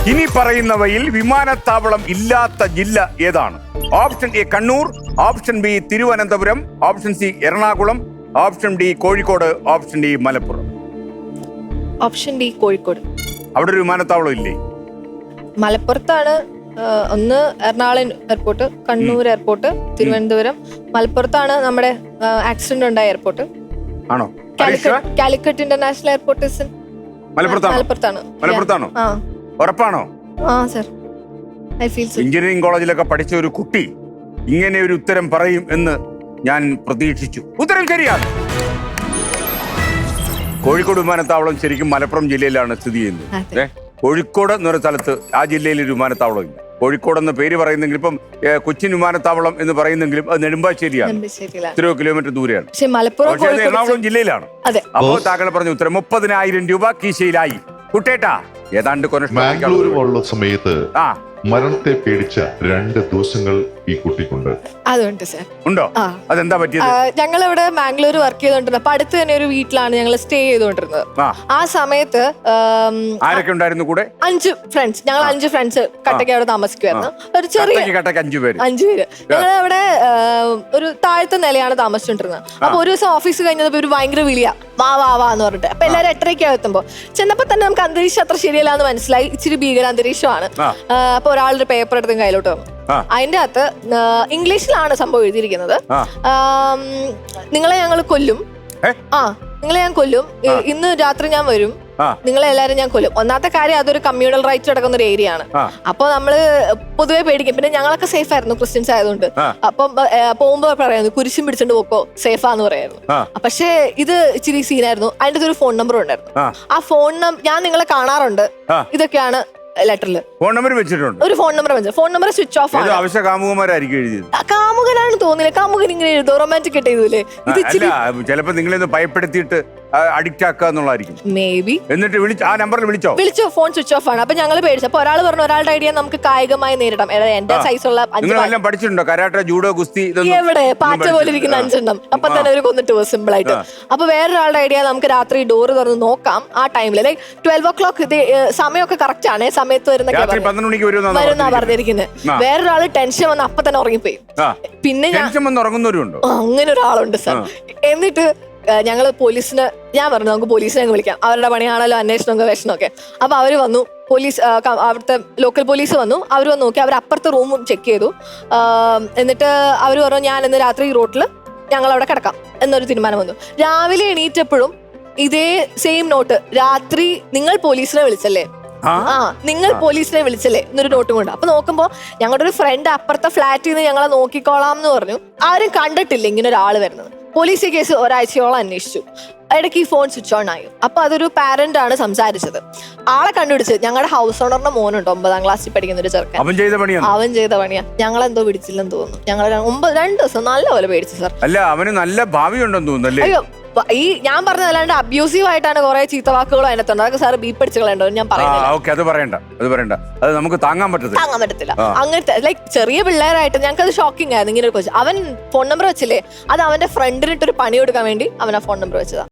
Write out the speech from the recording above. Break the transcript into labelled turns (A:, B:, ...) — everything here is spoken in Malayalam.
A: ഇനി പറയുന്നവയിൽ വിമാനത്താവളം ഇല്ലാത്ത ജില്ല ഏതാണ്? Option A Kannur, option B Thiruvananthapuram, option C Ernakulam, option D Kozhikode, option D Malappuram.
B: Option D Kozhikode.
A: അവിടെ ഒരു വിമാനത്താവളം ഇല്ലേ?
B: മലപ്പുറത്താണ്. ഒന്ന് എറണാകുളം എയർപോർട്ട്, കണ്ണൂർ എയർപോർട്ട്, തിരുവനന്തപുരം. മലപ്പുറത്താണ് നമ്മുടെ ആക്സിഡന്റ് ഉണ്ടായ എയർപോർട്ട്.
A: ആണോ?
B: കാലിക്കറ്റ് ഇന്റർനാഷണൽ എയർപോർട്ട്
A: മലപ്പുറത്താണോ? ഉറപ്പാണോ?
B: Sir, I feel so.
A: Engineering കോളേജിലൊക്കെ പഠിച്ച ഒരു കുട്ടി ഇങ്ങനെ ഒരു ഉത്തരം പറയും എന്ന് ഞാൻ പ്രതീക്ഷിച്ചു. ഉത്തരം ശരിയാണ്. കോഴിക്കോട് വിമാനത്താവളം ശരിക്കും മലപ്പുറം ജില്ലയിലാണ് സ്ഥിതി ചെയ്യുന്നത്. കോഴിക്കോട് എന്നൊരു സ്ഥലത്ത് ആ ജില്ലയിൽ ഒരു വിമാനത്താവളം ഇല്ല. കോഴിക്കോട് എന്ന പേര് പറയുന്നെങ്കിൽ ഇപ്പം കൊച്ചിൻ വിമാനത്താവളം എന്ന് പറയുന്നെങ്കിലും അത് നെടുമ്പാശ്ശേരിയാണ്, എത്രയോ കിലോമീറ്റർ ദൂരെയാണ്. എറണാകുളം ജില്ലയിലാണ്. അപ്പോൾ താങ്കൾ പറഞ്ഞ ഉത്തരം 30,000 രൂപ കീശയിലായി. കുട്ടേട്ടാ, ഏതാണ്ട്
C: ബാംഗ്ലൂർ പോലുള്ള സമയത്ത് മരണത്തെ പേടിച്ച 2 ദിവസങ്ങൾ ഈ കുട്ടിക്കുണ്ട്.
B: അതുണ്ട് സർ.
A: ഉണ്ടോ? അതെന്താ പറ്റിയത്?
B: ഞങ്ങൾ ഇവിടെ ബാംഗ്ലൂർ വർക്ക് ചെയ്തോണ്ടിരുന്നത്. അപ്പൊ അടുത്ത് തന്നെ ഒരു വീട്ടിലാണ് ഞങ്ങൾ സ്റ്റേ ചെയ്തോണ്ടിരുന്നത്. ആ സമയത്ത്
A: ആരൊക്കെ ഉണ്ടായിരുന്നു കൂടെ?
B: 5 ഫ്രണ്ട്സ്. ഞങ്ങൾ 5 ഫ്രണ്ട്സ് കട്ടയ്ക്ക് അവിടെ താമസിക്കുമായിരുന്നു. ഒരു ചെറിയ 5 പേര്. ഞങ്ങൾ അവിടെ ഒരു താഴത്തെ നിലയാണ് താമസിച്ചോണ്ടിരുന്നത്. അപ്പൊ ഒരു ദിവസം ഓഫീസ് കഴിഞ്ഞത് ഒരു ഭയങ്കര വിളിയാ, വാ വാ വാ എന്ന് പറഞ്ഞിട്ട്. അപ്പൊ എല്ലാവരും 8:30 എത്തുമ്പോ ചെന്നപ്പോ തന്നെ നമുക്ക് അന്തരീക്ഷം അത്ര ശരിയല്ല എന്ന് മനസ്സിലായി. ഇച്ചിരി ഭീകര അന്തരീക്ഷമാണ്. അപ്പൊ ഒരാളൊരു പേപ്പർ എടുത്തും കയ്യിലോട്ട് വന്നു. അതിന്റെ അകത്ത് ഇംഗ്ലീഷിലാണ് സംഭവം എഴുതിയിരിക്കുന്നത്. നിങ്ങളെ ഞങ്ങൾ കൊല്ലും, നിങ്ങളെ ഞാൻ കൊല്ലും, ഇന്ന് രാത്രി ഞാൻ വരും, നിങ്ങളെ എല്ലാരും ഞാൻ കൊല്ലും. ഒന്നാമത്തെ കാര്യം, അതൊരു കമ്മ്യൂണൽ റൈറ്റ്സ് കിടക്കുന്ന ഒരു ഏരിയ ആണ്. അപ്പൊ നമ്മള് പൊതുവെ പേടിക്കും. പിന്നെ ഞങ്ങളൊക്കെ സേഫ് ആയിരുന്നു, ക്രിസ്ത്യൻസ് ആയതുകൊണ്ട്. അപ്പം പോകുമ്പോ പറയായിരുന്നു കുരിശും പിടിച്ചോണ്ട് പോക്കോ, സേഫാന്ന് പറയായിരുന്നു. പക്ഷേ ഇത് ഇച്ചിരി സീനായിരുന്നു. അതിന്റെ ഒരു ഫോൺ നമ്പർ ഉണ്ടായിരുന്നു. ആ ഫോൺ നമ്പർ ഞാൻ നിങ്ങളെ കാണാറുണ്ട്, ഇതൊക്കെയാണ് ലെറ്ററില്.
A: ഫോൺ നമ്പർ വെച്ചിട്ടുണ്ട്.
B: ഒരു ഫോൺ നമ്പർ വെച്ചു. ഫോൺ നമ്പർ സ്വിച്ച് ഓഫ് ആണ്.
A: ആവശ്യ കാമുകന്മാരായിരിക്കും എഴുതിയത്.
B: കാമുകനാണ് തോന്നില്ല. കാമുകൻ ഇങ്ങനെ എഴുതും, റൊമാൻറ്റിക് ആയിട്ട് എഴുതൂലേ.
A: ചിലപ്പോ നിങ്ങളെ ഭയപ്പെടുത്തിയിട്ട് അഡിക്റ്റ് ആക്കുക എന്നുള്ളതായിരിക്കും.
B: May be.
A: എന്നിട്ട് ആ നമ്പറിൽ വിളിച്ചു.
B: ഫോൺ സ്വിച്ച് ഓഫ് ആണ്. അപ്പൊ ഞങ്ങൾ പേടിച്ചു. അപ്പൊ ഒരാൾ പറഞ്ഞു ഒരാളുടെ ഐഡിയ നമുക്ക് കായികമായി നേരിടാം. എന്റെ സൈസുള്ള
A: പഠിച്ചിട്ടുണ്ടോ? കരാട്ടെ, ജൂഡോ, ഗുസ്തി?
B: എവിടെ പാറ്റ പോലെ ഇരിക്കുന്ന 5 എണ്ണം. അപ്പൊ തന്നെ ഒരു കൊന്നിട്ട് പോകും സിമ്പിൾ ആയിട്ട്. അപ്പൊ വേറൊരാളുടെ ഐഡിയ നമുക്ക് രാത്രി ഡോറ് തുറന്ന് നോക്കാം. ആ ടൈമില് ലൈക്ക് 12 o'clock ഇത് സമയമൊക്കെ കറക്റ്റ് ആണ്. സമയത്ത് വരുന്ന പറഞ്ഞിരിക്കുന്നത്. വേറൊരാള് ടെൻഷൻ വന്ന് അപ്പൊ തന്നെ ഉറങ്ങിപ്പോയി. പിന്നെ അങ്ങനെ ഒരാളുണ്ട് സാർ. എന്നിട്ട് ഞങ്ങള് പോലീസിന് ഞാൻ പറഞ്ഞു നമുക്ക് പോലീസിനെ വിളിക്കാം, അവരുടെ പണിയാണല്ലോ അന്വേഷണം ഗവേഷണം ഒക്കെ. അപ്പൊ അവര് വന്നു, പോലീസ് അവിടുത്തെ ലോക്കൽ പോലീസ് വന്നു. അവർ വന്ന് നോക്കി, അവർ അപ്പുറത്തെ റൂമും ചെക്ക് ചെയ്തു. എന്നിട്ട് അവർ പറഞ്ഞു ഞാൻ ഇന്ന് രാത്രി ഈ റോട്ടിൽ ഞങ്ങൾ അവിടെ കിടക്കാം എന്നൊരു തീരുമാനം വന്നു. രാവിലെ എണീറ്റപ്പോഴും ഇതേ സെയിം നോട്ട്, രാത്രി നിങ്ങൾ പോലീസിനെ വിളിച്ചല്ലേ, നിങ്ങൾ പോലീസിനെ വിളിച്ചല്ലേ എന്നൊരു നോട്ടും കൊണ്ട്. അപ്പൊ നോക്കുമ്പോ ഞങ്ങളുടെ ഒരു ഫ്രണ്ട് അപ്പുറത്തെ ഫ്ലാറ്റിൽ നിന്ന് ഞങ്ങളെ നോക്കിക്കോളാം എന്ന് പറഞ്ഞു. ആരും കണ്ടിട്ടില്ല ഇങ്ങനെ ഒരാൾ വരുന്നത്. പോലീസ് ഈ കേസ് ഒരാഴ്ചയോളം അന്വേഷിച്ചു. ഇടയ്ക്ക് ഈ ഫോൺ സ്വിച്ച് ഓൺ ആയി. അപ്പൊ അതൊരു പാരന്റ് ആണ് സംസാരിച്ചത്. ആളെ കണ്ടുപിടിച്ച് ഞങ്ങളുടെ ഹൗസ് ഓണറിന്റെ മോനുണ്ട്, 9ാം ക്ലാസ്സിൽ പഠിക്കുന്ന ഒരു ചെറുക്കൻ. അവൻ ചെയ്ത പണിയാ. ഞങ്ങളെന്തോ പിടിച്ചില്ലെന്ന് തോന്നുന്നു. ഞങ്ങൾ 2 ദിവസം നല്ലപോലെ പേടിച്ചു സാർ.
A: അല്ല, അവന് നല്ല ഭാവിയുണ്ടെന്ന് തോന്നുന്നു.
B: അയ്യോ, ഈ ഞാൻ പറഞ്ഞതല്ലാണ്ട് അബ്യൂസീവ് ആയിട്ടാണ് കുറെ ചീത്തവാക്കുകളും അതിനകത്തുണ്ട്. അതൊക്കെ സാർ ബീപ്പ് അടിച്ച് കളയണ്ടോ ഞാൻ പറയുന്നത്.
A: അത് പറയണ്ട. അത് നമുക്ക് താങ്ങാൻ പറ്റത്തില്ല.
B: അങ്ങനത്തെ ലൈക്ക് ചെറിയ പിള്ളേരായിട്ട് ഞങ്ങൾക്ക് അത് ഷോക്കിംഗ് ആയിരുന്നു. ഇങ്ങനെ ഒരു ക്വസ്റ്റ്യൻ. അവൻ ഫോൺ നമ്പർ വെച്ചില്ലേ, അത് അവന്റെ ഫ്രണ്ടിനിട്ടൊരു പണി കൊടുക്കാൻ വേണ്ടി അവൻ ആ ഫോൺ നമ്പർ വെച്ചതാ.